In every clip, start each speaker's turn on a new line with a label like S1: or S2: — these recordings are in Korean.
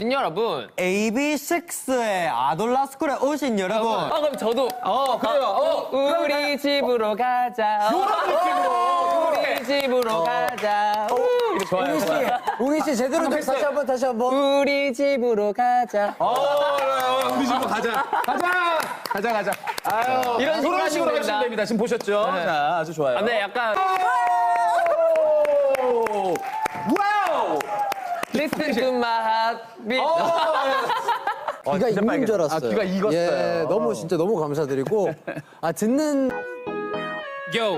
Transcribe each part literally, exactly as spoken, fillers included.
S1: 여러분,
S2: 에이비식스의 아돌라스쿨에 오신 여러분.
S1: 아 그럼 저도
S3: 어, 그래요. 어,
S1: 우리 집으로 가자.
S3: 이런 느낌으로.
S1: 우리 집으로 가자. 이렇게 좋아요.
S2: 웅이 씨, 웅이 씨 제대로 좀 다시 한번 다시 한번.
S1: 우리 집으로 가자.
S3: 어, 우리 집으로 가자. 가자. 가자, 가자. 아유,
S1: 이런 식으로
S3: 이런 식으로
S1: 하시면
S3: 하시면 됩니다. 지금 보셨죠?
S1: 네.
S3: 자, 아주 좋아요.
S1: 아, 네, 약간
S3: 오! 와우!
S1: Listen to my heartbeat.
S2: 귀가 익는 줄 알았어요.
S3: 아, 귀가 익었어요.
S2: 예, 너무 진짜 너무 감사드리고. 아 듣는
S1: Yo.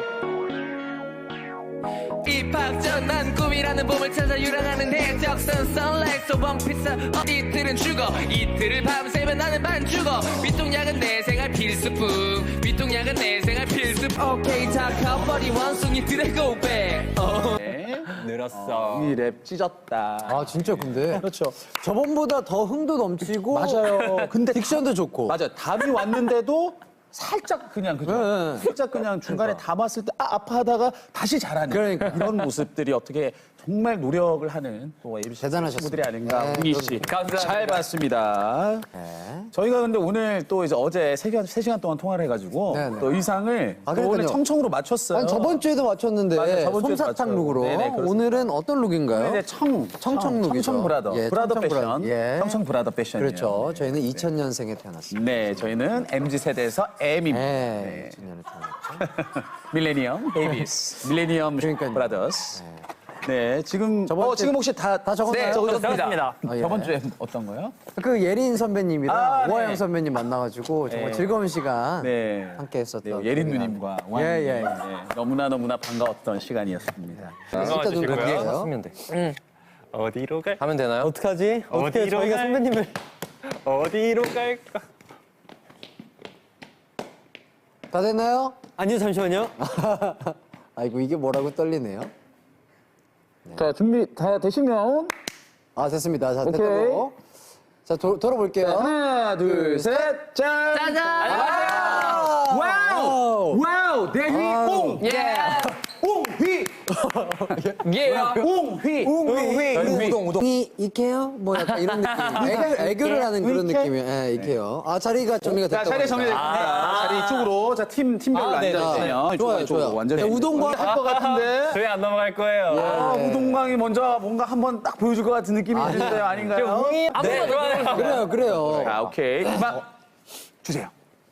S1: 입학 전 난 꿈이라는 봄을 찾아 유랑하는 해적선 선라이트 원피스 어, 이틀은 죽어 이틀을 밤새면 나는 반 죽어 윗동약은 내 생활 필수품 윗동약은 내 생활 필수품 오케이 다 커버리 원숭이들의 고백 어. 늘었어
S3: 이 랩 찢었다.
S2: 아 진짜 근데
S3: 그렇죠.
S2: 저번보다 더 흥도 넘치고
S3: 맞아요. 근데
S2: 딕션도 좋고.
S3: 맞아요. 답이 왔는데도 살짝 그냥 그죠?
S2: 네.
S3: 살짝 그냥 중간에 담았을 때 아, 아파하다가 다시 잘하는
S2: 그러니까.
S3: 이런 모습들이 어떻게 정말 노력을 하는 또 에이비씨
S2: 대단하셨습니다.
S3: 친구들이 아닌가.
S2: 네,
S3: 웅이 씨.
S1: 감사합니다.
S3: 잘 봤습니다.
S2: 네.
S3: 저희가 근데 오늘 또 이제 어제 세 시간, 세 시간 동안 통화를 해가지고
S2: 네, 네.
S3: 또 의상을
S2: 아,
S3: 또 오늘
S2: 그러니까요.
S3: 청청으로 맞췄어요.
S2: 아니 저번 주에도 맞췄는데
S3: 맞아요, 저번 주에도
S2: 솜사탕
S3: 맞춰요.
S2: 룩으로.
S3: 네네, 그렇습니다.
S2: 오늘은 어떤 룩인가요?
S3: 이제 청,
S2: 청청 룩이죠.
S3: 청청 브라더.
S2: 예,
S3: 브라더
S2: 청청
S3: 패션.
S2: 브라더. 예.
S3: 청청 브라더 패션이에요.
S2: 그렇죠. 저희는 이천 년생에 태어났습니다.
S3: 네, 저희는 엠지 세대에서 M입니다.
S2: 네.
S3: 네.
S2: 이천 년에 태어났죠.
S3: 밀레니엄 베이비스, 밀레니엄
S2: 그러니까요.
S3: 브라더스. 네, 지금
S2: 저번
S3: 어,
S2: 주-
S3: 지금 혹시 다,
S2: 다 적었나요?
S3: 네, 적었습니다.
S2: 아, 예.
S3: 저번 주에 어떤 거요?
S2: 그 예린 선배님이랑
S3: 아, 네.
S2: 오하영 선배님 만나가지고 정말
S3: 네.
S2: 즐거운 시간
S3: 네,
S2: 함께 했었던.
S3: 네, 예린
S2: 기억이
S3: 누님과
S2: 납니다.
S3: 왕
S2: 예,
S3: 님.
S2: 예.
S3: 네, 너무나 너무나 반가웠던 시간이었습니다.
S2: 진짜 눈 감겨요.
S4: 하면 돼. 어디로 갈?
S1: 하면 되나요?
S4: 어떡하지? 어떻게 저희가
S1: 갈-
S4: 선배님을 어디로 갈까?
S2: 다 됐나요?
S4: 아니요, 잠시만요.
S2: 아이고 이게 뭐라고 떨리네요.
S3: 자, 준비 다 되시면
S2: 아 됐습니다. 자
S3: 오케이.
S2: 됐다고. 자 도, 돌아볼게요.
S3: 하나, 둘, 셋, 짠!
S1: 짜잔!
S3: 와우! 와우! 대휘 옹!
S1: 예!
S3: 옹휘!
S1: 예!
S3: 옹휘!
S2: 웅휘
S3: 우동, 우동.
S2: 이 이케요? 뭐 약간 이런 느낌. 애교, 애교를 하는 그런
S3: 이케?
S2: 느낌이에요. 예, 이케요. 아 자리가 정리가
S3: 자,
S2: 됐다고.
S3: 자리
S2: 하니까.
S3: 정리됐습니다. 자리 이쪽으로. 자, 팀, 팀별로
S2: 아, 네,
S3: 앉아주세요.
S2: 네. 좋아요, 좋아요.
S3: 완전히.
S2: 자, 우동광.
S3: 할것 같은데.
S4: 저희 안 넘어갈 거예요.
S3: 아, 우동광이 먼저 뭔가 한번 딱 보여줄 것 같은 느낌이 드는데요. 아닌가요?
S1: 아무나 좋아요.
S2: 그래요, 그래요.
S3: 자, 오케이. 음악 주세요.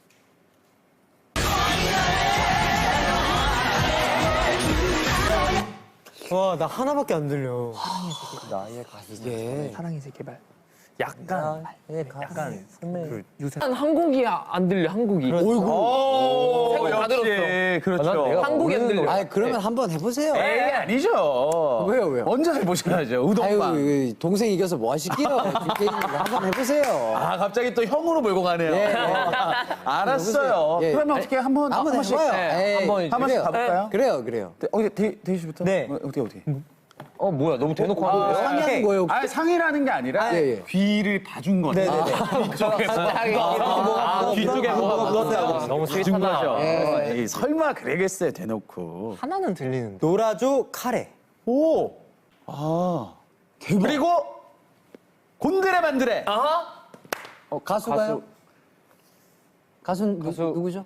S4: 와, 나 하나밖에 안 들려.
S2: 이게
S4: 약간, 약간 선배.
S1: 한 곡이 안 들려, 한 곡이.
S3: 오,
S1: 생각 다
S3: 역시. 그렇죠.
S1: 한 곡이 안 들려.
S2: 아 그러면 한번 해보세요.
S3: 에이, 아니죠.
S2: 왜요, 왜요?
S3: 먼저 해보셔야죠.
S2: 아유
S3: 우동빵.
S2: 이 동생 이겨서 뭐 하시게요? 게임 한번 해보세요.
S3: 아, 갑자기 또 형으로 몰고 가네요.
S2: 예, 예.
S3: 알았어요.
S2: 예.
S3: 그러면 어떻게 한번
S2: 한번
S3: 한 번씩
S2: 해봐요.
S1: 네,
S2: 에이,
S1: 한번
S3: 한 번씩
S2: 그래요.
S3: 가볼까요?
S2: 그래요, 그래요.
S3: 네, 어디 데, 데이 씨부터?
S4: 네.
S3: 어, 어떻게 어떻게?
S1: 어, 뭐야, 너무 대놓고 하는 거야?
S2: 상의하는 거예요.
S3: 아니 상의라는 게 아니라
S2: 예, 예.
S3: 귀를 봐준 거죠. 네네네. 뒤쪽에 아, 뒤쪽에 뭐가 묻었다고.
S1: 너무
S3: 봐준
S1: 스윗하다.
S3: 거죠.
S2: 예.
S3: 에이, 설마 그러겠어요 대놓고.
S4: 하나는 들리는데. 노라조 카레.
S3: 오. 아. 그리고 곤드레 만드레.
S2: 어, 가수가요? 가수, 누, 누구죠?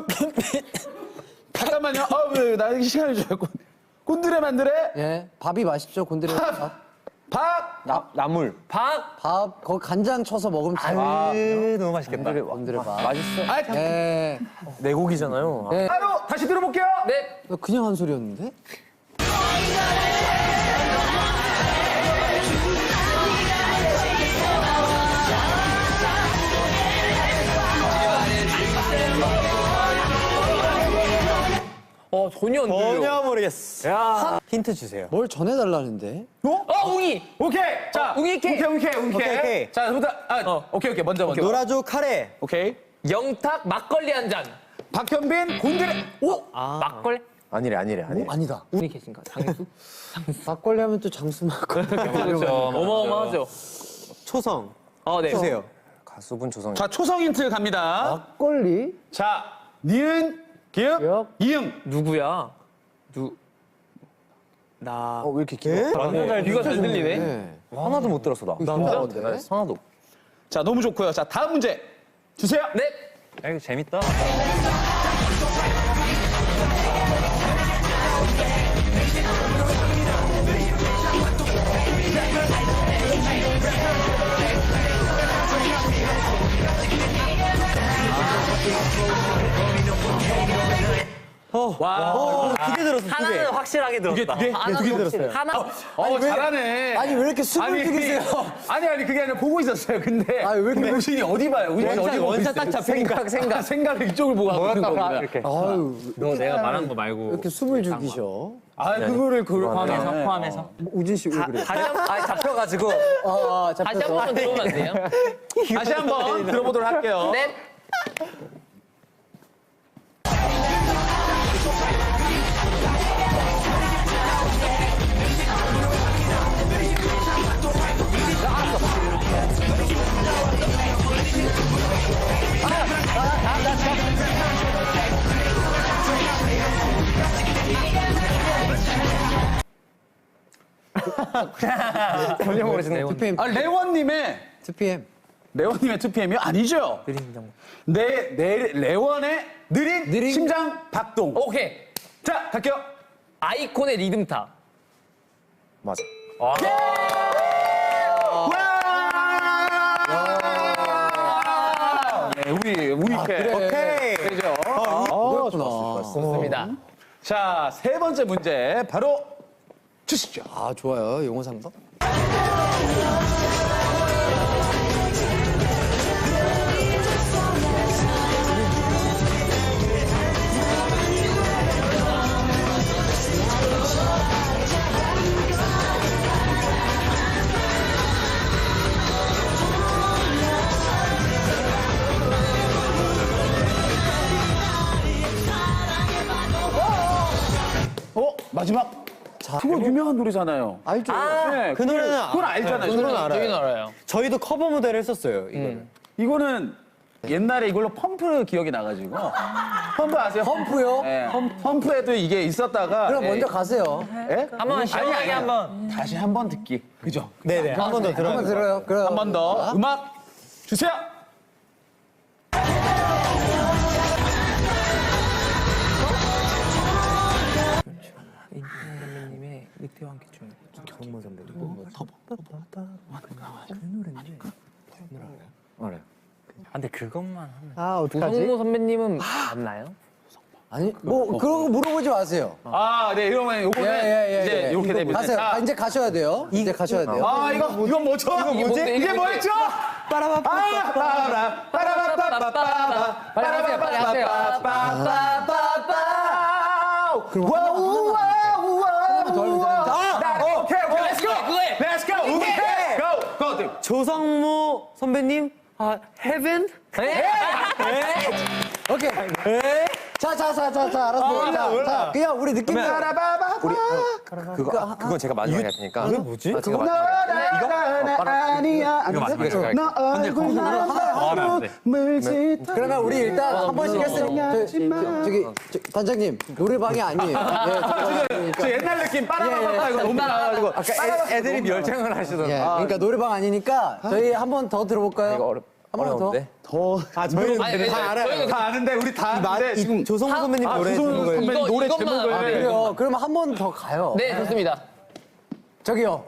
S3: 잠깐만요. 아, 왜 나에게 시간을 줘요. 곤드레 만드레.
S2: 예, 밥이 맛있죠, 곤드레 밥.
S3: 밥.
S4: 나, 나물.
S1: 밥!
S2: 밥, 거기 간장 쳐서 먹으면 참.
S4: 아, 너무 맛있겠다.
S2: 곤드레 밥.
S3: 맛있어. 아,
S2: 예,
S4: 내 곡이잖아요.
S2: 예.
S3: 바로 다시 들어볼게요.
S1: 네.
S2: 너 그냥 한 소리였는데?
S1: 어, 전혀 안 들려.
S4: 전혀 모르겠어. 야. 힌트 주세요.
S2: 뭘 전해달라는데?
S3: 어?
S1: 어, 웅이!
S3: 오케이. 자,
S1: 어, 웅이
S3: 오케이,
S1: 케.
S3: 오케이, 오케이.
S4: 오케이, 오케이.
S3: 자, 부터 아,
S1: 어.
S3: 오케이, 오케이. 먼저, 먼저.
S4: 노라조 카레.
S3: 오케이.
S1: 영탁 막걸리 한 잔.
S3: 박현빈 곤드레. 오.
S1: 막걸리?
S4: 아니래, 아니래, 아니래.
S2: 아니다.
S1: 웅이 계신가? 장수?
S2: 막걸리 하면 또 장수 막걸리.
S1: 그렇죠. 어마어마하죠.
S4: 초성.
S1: 어, 네.
S4: 주세요. 가수분 초성.
S3: 자, 초성 힌트 갑니다.
S2: 막걸리?
S3: 자, 니은, 기읍,
S2: 기읍.
S3: 이응.
S1: 누구야? 누, 나.
S2: 어, 왜 이렇게 길어?
S1: 아, 귀가 잘 들리네.
S2: 네.
S4: 하나도 못 들었어, 나.
S2: 나도
S4: 하나도.
S3: 자, 너무 좋고요. 자, 다음 문제 주세요.
S1: 네.
S4: 야, 이거 재밌다.
S3: 와,
S4: 두개 들었어, 두 개.
S1: 하나는
S4: 확실하게 들었다.
S3: 두 개, 두 개?
S1: 하나는
S3: 두 개 들었어요.
S1: 하나.
S3: 어, 잘하네.
S2: 아니 왜 이렇게 숨을 죽이세요?
S3: 아니, 아니, 그게 아니라 보고 있었어요. 근데.
S2: 아니, 왜 이렇게
S3: 근데 우진이 어디 봐요? 우진이
S4: 원샷,
S3: 어디 보고
S4: 원샷
S3: 있어요?
S4: 딱 잡히니까.
S3: 생각, 생각. 생각을 이쪽을 보고 하고 있는 거구나.
S4: 이렇게.
S2: 아유
S4: 너 내가 말한 거 말고.
S2: 왜 이렇게 숨을 죽이셔?
S3: 아, 그거를 그걸
S4: 포함해서,
S3: 포함해서.
S4: 포함해서.
S2: 우진 씨 왜 그래?
S4: 다시 한 번, 아니, 잡혀가지고.
S2: 아,
S1: 다시 한
S2: 잡혀서.
S1: 번만 들어오면 안 돼요?
S3: 다시 한번 들어보도록 할게요.
S1: 네.
S4: 전혀 모르시네.
S2: 투피엠,
S3: 아, 레원님의,
S2: 투피엠.
S3: 레원님의 투피엠이 아니죠? 네, 네, 레원의 느린,
S2: 느린-
S3: 심장 박동.
S1: 오케이.
S3: 자, 갈게요.
S1: 아이콘의 리듬타.
S4: 맞아.
S3: 와! 네, 우리, 우리 게
S2: 그래.
S3: 되죠.
S2: 그렇구나.
S1: 좋습니다.
S3: 자, 세 번째 문제 바로 주시죠.
S2: 아 좋아요 용어 상담.
S3: 어? 마지막. 그거 유명한 노래잖아요.
S2: 알죠?
S3: 네,
S4: 그 노래는
S3: 그건 알잖아요.
S4: 그 노래는
S1: 저기는
S4: 알아요.
S1: 알아요.
S4: 저희도 커버 무대를 했었어요, 이거는.
S3: 이거는 옛날에 이걸로 펌프 기억이 나가지고. 펌프 아세요?
S2: 펌프요?
S3: 네, 펌프에도 이게 있었다가.
S2: 그럼
S3: 예.
S2: 먼저 가세요.
S3: 예?
S1: 한번 시원하게 한번.
S3: 다시 한 번 듣기. 그죠?
S4: 네네. 한 번 더 들어요.
S2: 한번 들어요. 그럼
S3: 한 번 더 음악 주세요.
S4: 선배님의 늑대와 함께 춤. 정모 선배님. 알아요. 아, 근데 그것만 하면.
S2: 아 어떡하지?
S1: 우성모 선배님은 맞나요?
S2: 아니 뭐 그런 거 물어보지 마세요.
S3: 아, 네, 이러면 요거는
S2: 예예예.
S3: 이제 이렇게 됩니다.
S2: 가세요.
S3: 자,
S2: 아, 이제 가셔야 돼요. 이제 가셔야 돼요.
S3: 아, 이거 이건 뭐죠? 이거
S1: 뭐지?
S3: 이게
S1: 이게
S3: 뭐였죠?
S2: 빠라바빠.
S3: 아, 빠라 빠라바빠빠빠
S1: 빨리 하세요, 빨리 하세요.
S3: 빠라바빠빠빠.
S2: 그럼
S3: 와우 와우 와우.
S2: 더 하면 되는데.
S3: 아, 오케이 오케이. Let's go.
S1: 그거에.
S3: Let's go. 오케이. Go. Go.
S4: 조성모 선배님, 아, 헤븐?
S2: 오케이. 자자자자자 알았어. 자, 자 그냥 우리 느낌
S3: 빠라바바.
S4: 우리, 그거, 그건 제가 마지막에 할 테니까. 그게 뭐지? 아, 제가
S3: 너라 아니야.
S4: 이거 마지막에 제가
S3: 너 얼굴 나로 물짓.
S2: 그러면 우리 일단 한 번씩 했으니까 저, 저, 저기 저, 단장님 노래방이 아니에요. 네,
S3: 저 옛날 느낌 빠라바바 이거 너무 나와가지고.
S4: 아까 애, 애들이 멸장을 하시더라고요.
S2: 예, 그러니까 노래방 아니니까 저희 한 번 더 들어볼까요?
S4: 이거 어렵,
S2: 한 번 더.
S4: 어려운데?
S3: 더. 아, 저희는
S1: 아니, 아니,
S3: 다 알아요.
S1: 저희는
S3: 다 아는데 우리 다 아는데 지금
S4: 조성모 선배님
S3: 아,
S4: 노래
S3: 조성모
S4: 듣는 거예요.
S3: 선배님
S1: 이거-
S3: 노래
S1: 이것만
S3: 제목을
S1: 알아요.
S2: 그래요. 그러면 한 번 더 가요.
S1: 네, 좋습니다.
S2: 저기요.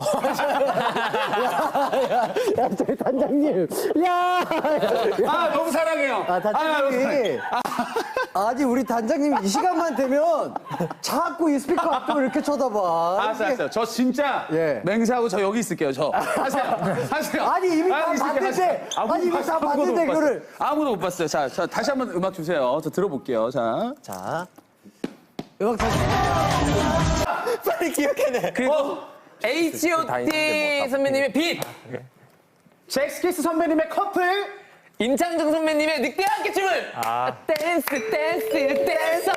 S2: 야, 야, 야, 저희 단장님. 야,
S3: 아, 너무 사랑해요.
S2: 아, 단장님이. 아니, 우리 단장님 이 시간만 되면 자꾸 이 스피커 앞으로 이렇게 쳐다봐.
S3: 알았어, 알았어. 저 진짜
S2: 예.
S3: 맹세하고 저 여기 있을게요. 저 하세요, 하세요.
S2: 아니, 이미 다
S3: 아, 있을게요.
S2: 봤는데.
S3: 하세요.
S2: 아니, 이미 다
S3: 아무도
S2: 봤는데,
S3: 못 봤어요.
S2: 그거를.
S3: 아무도 못 봤어요. 자, 자, 다시 한번 음악 주세요. 저 들어볼게요. 자,
S2: 자, 음악 다시.
S4: 빨리 기억해내.
S3: 그리고
S1: 에이치 오 티 선배님의 빛.
S3: 잭스키스 선배님의 커플.
S1: 임창정 선배님의 늑대와 함께 춤을.
S4: 아.
S1: 댄스 댄스 댄서.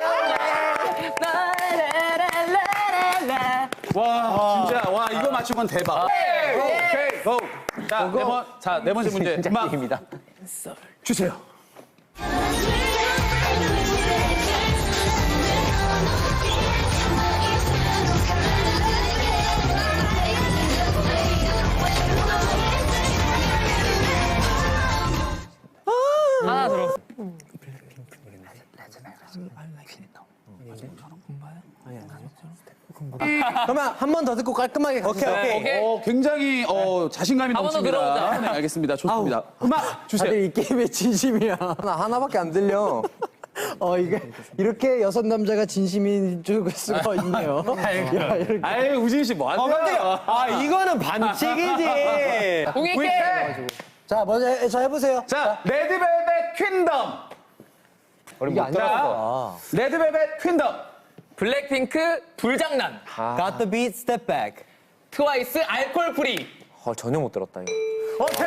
S1: 라라라라라라.
S3: 와, 진짜 와 이거 맞추면 대박. 오케이, 고. 자, 네 번, 자, 네 번째 문제 음악
S4: 입니다.
S3: 주세요.
S5: When
S2: 그러면 한 번 더 듣고 깔끔하게
S4: 오케이, 오케이.
S1: 오케이.
S3: 어, 굉장히 어, 자신감이
S1: 한번더
S3: 넘칩니다.
S1: 들어보자.
S3: 네, 알겠습니다. 좋습니다. 음악 주세요.
S2: 다들 이 게임에 진심이야.
S4: 나 하나밖에 안 들려.
S2: 어 이게 이렇게 여섯 남자가 진심인 줄 수가 있네요. 야, 이렇게.
S3: 아유, 우진 씨 뭐 하세요?
S4: 아, 이거는 반칙이지.
S1: 공익해.
S2: 자 먼저 해, 자 해보세요.
S3: 자, 레드벨벳 퀸덤.
S2: 이게 안
S3: 자,
S2: 나와.
S3: 레드벨벳 퀸덤.
S1: 블랙핑크 불장난.
S4: Got the beat, step back.
S1: 트와이스 알콜 프리.
S4: 어, 전혀 못 들었다, 이거.
S3: 오케이!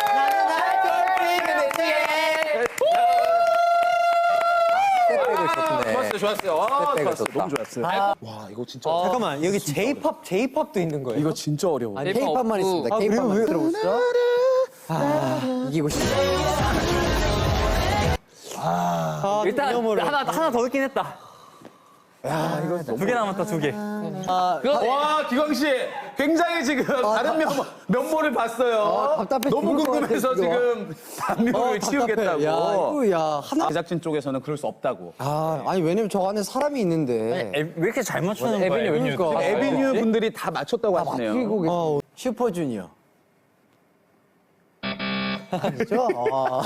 S4: 스텝백을 좋네.
S3: 좋았어요, 좋았어요. 아,
S4: 스텝백을
S3: 좋았어요.
S4: 좋다.
S3: 너무 좋았어요. 와, 이거 진짜.
S4: 잠깐만, 여기 J-pop, J-pop도 있는 거예요?
S3: 이거 진짜 어려워.
S2: 아니
S1: K-pop
S2: K-팝만
S1: 없고.
S2: 있습니다.
S4: 아,
S2: K-팝만
S4: 그래요?
S2: 들어보시죠. 아 이기고 싶다.
S4: 아,
S1: 일단
S4: 하나, 하나 더 듣긴 했다. 야, 이거 두 개 남았다, 두 개.
S1: 그거
S3: 와, 기광 씨, 굉장히 지금 다른 면, 면모를 봤어요.
S2: 아, 답답해
S3: 너무
S2: 죽을 것
S3: 궁금해서
S2: 같아, 이거.
S3: 지금 단면을 치우겠다고.
S2: 야 이거 야 하나.
S3: 제작진 쪽에서는 그럴 수 없다고.
S2: 아 아니 왜냐면 저 안에 사람이 있는데.
S4: 왜 이렇게 잘 맞추는 거예요?
S2: 그러니까.
S3: 에비뉴 분들이 다 맞췄다고 하시네요.
S2: 그리고 어, 슈퍼주니어. 아니죠? 아,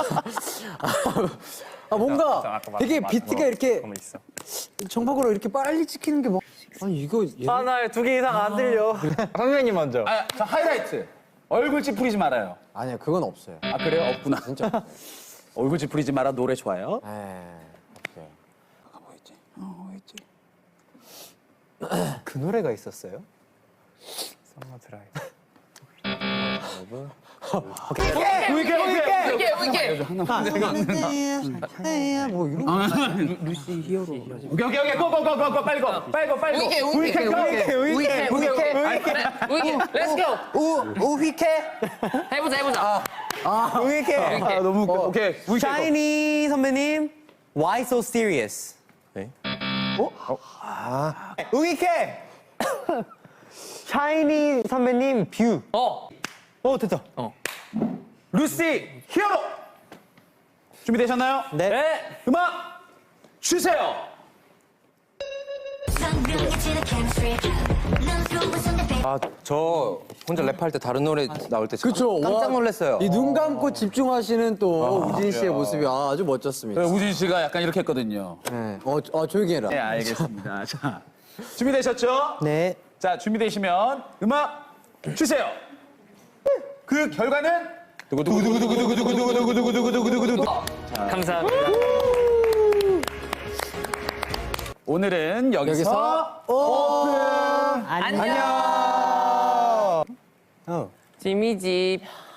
S2: 아 뭔가 되게 비트가 이렇게 정박으로 이렇게 빨리 찍히는 게 뭐. 아니 이거 얘
S4: 아, 나 두 개 이상 안 들려. 선생님 먼저.
S3: 아, 자, 하이라이트. 얼굴 찌푸리지 말아요.
S2: 아니야 그건 없어요.
S3: 아, 그래요? 없구나.
S2: 진짜. 없어요.
S3: 얼굴 찌푸리지 마라 노래 좋아요.
S2: 에 없어요.
S3: 아, 뭐 있지? 어, 뭐 있지?
S4: 그 노래가 있었어요?
S1: 오케이 오케이 오케이 오케이.
S2: 에야 뭐 이런.
S3: 오케이, 오케이, 오케이. 고, 고, 고, 고, 고. 빨리 고. 빨리 고, 빨리 고.
S1: 우이케 우이케 우이케 우이케 우이케 우이케 렛츠 고.
S2: 우 우휘케.
S1: 해보자 해보자.
S4: 우이케.
S3: 아, 너무 웃겨. 오케이. 우이케 고.
S4: 샤이니 선배님, Why so serious? 네. 어? 아. 우이케. 샤이니 선배님, 뷰.
S1: 어.
S4: 어, 됐다.
S3: 루시 히어로. 준비되셨나요?
S4: 네.
S3: 음악 주세요.
S4: 아, 저 혼자 랩할 때 다른 노래 나올 때
S2: 그쵸.
S4: 깜짝 놀랐어요.
S2: 이 눈 감고 집중하시는 또 우진 씨의 모습이 아주 멋졌습니다.
S3: 우진 씨가 약간 이렇게 했거든요.
S2: 네. 어, 어 조용히 해라.
S3: 네, 알겠습니다. 자, 준비되셨죠?
S2: 네.
S3: 자, 준비되시면 음악 주세요. 그 결과는 두구두구두구두구두구두구두구두구두구두구두구두구.
S1: 감사합니다.
S3: 오늘은 여기서,
S2: 여기서
S1: 안녕.
S2: 어.
S1: 지미 집.